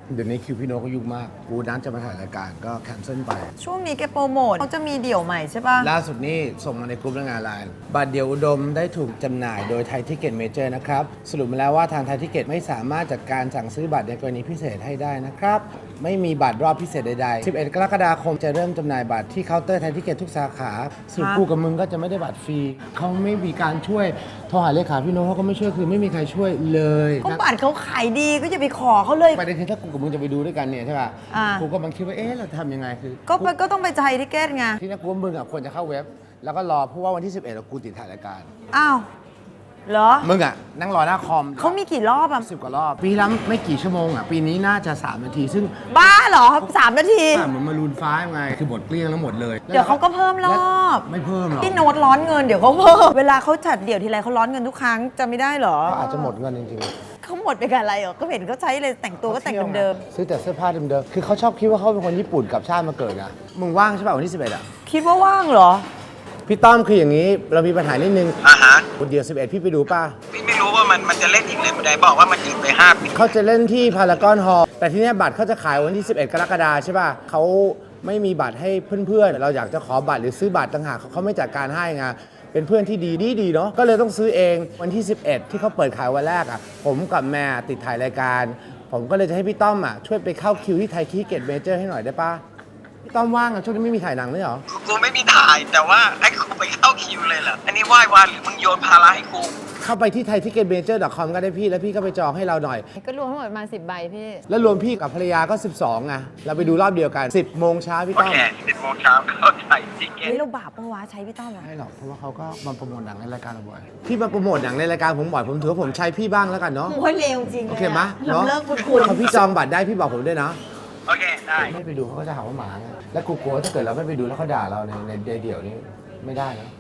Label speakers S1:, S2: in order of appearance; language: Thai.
S1: เดี๋ยวนี้คิวพี่โน้ตก็ยุ่งมากกูนัดจะมาถ่ายรายการก็แคนเซิลไป
S2: ช่วงนี้แกโปรโมทเขาจะมีเดี่ยวใหม่ใช่ป่ะ
S1: ล่าสุดนี่ส่งมาในกลุ่มงานไลน์บัตรเดียวอุดมได้ถูกจำหน่ายโดยไทยทิเก็ตเมเจอร์นะครับสรุปมาแล้วว่าทางไทยทิเก็ตไม่สามารถจัดการสั่งซื้อบัตรในกรณีพิเศษให้ได้นะครับไม่มีบัตรรอบพิเศษใดๆ11 กรกฎาคมจะเริ่มจำหน่ายบัตรที่เคาน์เตอร์ไทยทิเก็ตทุกสาขาส่วนกูกับมึงก็จะไม่ได้บัตรฟรีเขาไม่มีการช่วยโทรหาเลขาพี่โน้ตเขาก็ไม่ช่วยคือไม่มีใครช่วยเลย
S2: ก็บัตรเขาขายดีก็อย่าไปขอเขาเลย
S1: ประเด็นคือถ้ากูกับมึงจะไปดูด้วยกันเนี่ยใช่ป่ะ
S2: อ่า
S1: กูก็มันคิดว่าเอ๊ะเราทำยังไงคือ
S2: ก็ต้องไปใจทิเก็ตไง
S1: ที่นี่กูว่ามึงอ่ะควรจะเข้าเว็บ แล้วก็รอเพราะว่าวันที่ 11เรากูติดถ่ายรายการ
S2: อ้าวเหรอ
S1: มึงอ่ะนั่งรอหน้าคอม
S2: เขามีกี่รอบอ่ะ
S1: 10 กว่ารอบ ปีละไม่กี่ชั่วโมงอ่ะ ปีนี้น่าจะ 3 นาที ซึ่ง
S2: บ้าเหรอ3 นาที
S1: เหมือนมารูนฟ้าไง คือหมดเกลี้ยงแล้วหมดเลย
S2: เดี๋ยวเขาก็เพิ่มรอบ
S1: ไม่เพิ่มหรอก
S2: พี่โน้ตร้อนเงินเดี๋ยวเขาเพิ่มเวลาเขาจัดเดี่ยวทีไรเขาร้อนเงินทุกครั้งจะไม่ได้เหรอ
S1: ก็อาจจะหมดเงินจริง
S2: เขาหมดไปกับอะไรเหรอก็เห็นเขาใช้เลยแต่ง
S1: ๆ
S2: ตัวก็แต่งเดิม
S1: ซื้อแต่เสื้อผ้าเดิมๆคือเขาชอบคิดว่าเขาเป็นคนญี่ปุ่นกับชาติมาเกิดอ่ะมึงว่างใช่ป่ะวันที่ 11อ่ะ
S2: ๆคิดว่าว่างเหรอ
S1: พี่ต้อมคืออย่างนี้เรามีปัญหานิดนึง
S3: ฮะ
S1: เดี๋ยว11พี่ไปดูป่ะ
S3: พี่ไม่รู้ว่ามันจะเล่นอีกเลยไม่ได้บอกว่ามันหยุดไป5 ปี
S1: เขาจะเล่นที่พารากอนฮอลล์แต่ที่นี่บัตรเขาจะขายวันที่ 11 กรกฎาคมใช่ป่ะเขาไม่มีบัตรให้เพื่อนๆ เราอยากจะขอบัตรหรือซื้อบัตรต่างหากเขาไม่จัดการให้ไงเป็นเพื่อนที่ดีเนาะก็เลยต้องซื้อเองวันที่ 11 ที่เขาเปิดขายวันแรกอ่ะผมกับแม่ติดถ่ายรายการ ผมก็เลยจะให้พี่ต้อมอ่ะช่วยไปเข้าคิวที่ไทยทิเก็ตเมเจอร์ให้หน่อยได้ป่ะพี่ต้อมว่างอ่ะช่วงนี้ไม่มีถ่ายหนังเลยเหรอ
S3: กูไม่มีถ่ายแต่ว่าให้กูไปเข้าคิวเลยเหรออันนี้ไหว้วานหรือมึงโยนภาระให้กู
S1: เข้าไปที่ thaiticketventures.com ก็ได้พี่แล้วพี่ก็ไปจองให้เราหน่อย
S2: ก็รวมทั้งหมดประมาณ10 ใบพี่
S1: แล้วรวมพี่กับภรรยาก็ 12ไงเราไปดูรอบเดียวกัน 10 โมงเช้าพี่
S3: โอ
S1: ต้อม
S3: เค10 โมงเช้าเข้าไทยทิเก็ต
S2: เฮ้ยเราบาปปะวะใช้พี่ต้อมอะ
S1: ไม่หรอกเพราะว่าเขาก็มาโปรโมทหนังในรายการเราบ่อยพี่มาโปรโมทหนังในรายการผมบ่อยผมถือว่าผมใช้พี่บ้างแล้วกันเนาะ
S2: โอ้ยเร็วจริงเลย
S1: โอเคไหม
S2: เรา
S1: เนาะ
S2: เลิกคุณ
S1: พอพี่จองบัตรได้พี่บอกผมด้วยนะ
S3: โอเคได้
S1: ไม่ไปดูเขาก็จะหาว่าหมาไงแล้วกูกลัวถ้าเกิดเราไม่ไปดูแล้วเขาด่าเราในเดี่ยวนี้ไม่ได้นะ